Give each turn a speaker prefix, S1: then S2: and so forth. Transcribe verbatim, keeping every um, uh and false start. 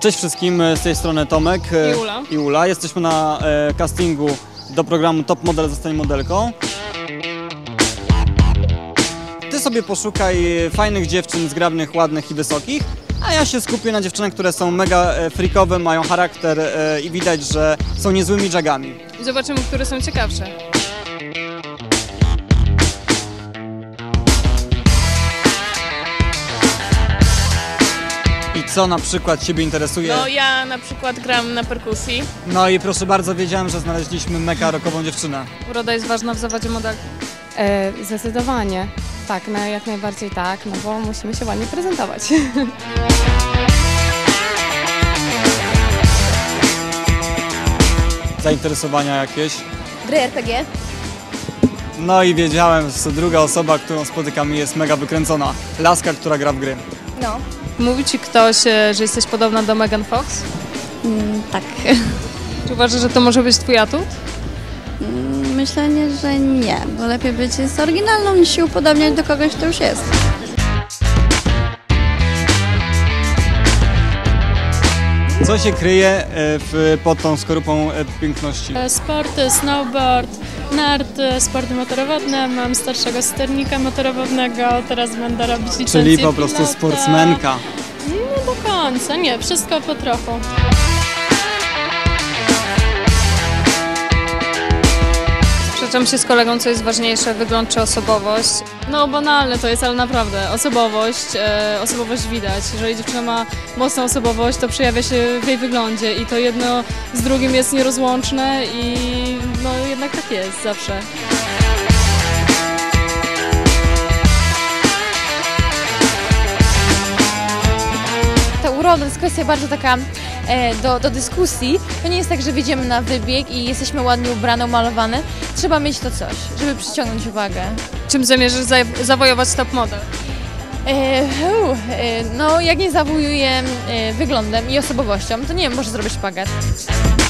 S1: Cześć wszystkim, z tej strony Tomek
S2: i Ula.
S1: I Ula. Jesteśmy na e, castingu do programu Top Model Zostań modelką. Ty sobie poszukaj fajnych dziewczyn, zgrabnych, ładnych i wysokich, a ja się skupię na dziewczynach, które są mega freakowe, mają charakter e, i widać, że są niezłymi jagami.
S2: I zobaczymy, które są ciekawsze.
S1: I co na przykład Ciebie interesuje?
S2: No ja na przykład gram na perkusji.
S1: No i proszę bardzo, wiedziałem, że znaleźliśmy mega rockową dziewczynę.
S2: Uroda jest ważna w zawodzie modelki.
S3: E, zdecydowanie. Tak, no jak najbardziej tak, no bo musimy się ładnie prezentować.
S1: Zainteresowania jakieś?
S4: Gry R P G.
S1: No i wiedziałem, że druga osoba, którą spotykam, jest mega wykręcona. Laska, która gra w gry.
S4: No.
S2: Mówi ci ktoś, że jesteś podobna do Megan Fox?
S4: Mm, tak.
S2: Czy uważasz, że to może być twój atut?
S4: Myślę, że nie, bo lepiej być z oryginalną niż się upodobniać do kogoś, kto już jest.
S1: Co się kryje w, pod tą skorupą piękności?
S5: Sporty, snowboard, narty, sporty motorowodne. Mam starszego sternika motorowodnego, teraz będę robić licencję
S1: Czyli po prostu
S5: pilota.
S1: sportsmenka.
S5: Nie do końca, nie, wszystko po trochu.
S2: Sprzeczam się z kolegą, co jest ważniejsze, wygląd czy osobowość. No banalne to jest, ale naprawdę, osobowość, e, osobowość widać. Jeżeli dziewczyna ma mocną osobowość, to przejawia się w jej wyglądzie i to jedno z drugim jest nierozłączne i no jednak tak jest zawsze.
S6: Ta uroda to jest kwestia bardzo taka e, do, do dyskusji. To nie jest tak, że wyjdziemy na wybieg i jesteśmy ładnie ubrane, umalowane. Trzeba mieć to coś, żeby przyciągnąć uwagę.
S2: Czym zamierzasz za zawojować top model?
S6: E, uu, e, no jak nie zawojuję e, wyglądem i osobowością, to nie wiem, może zrobić szpagat.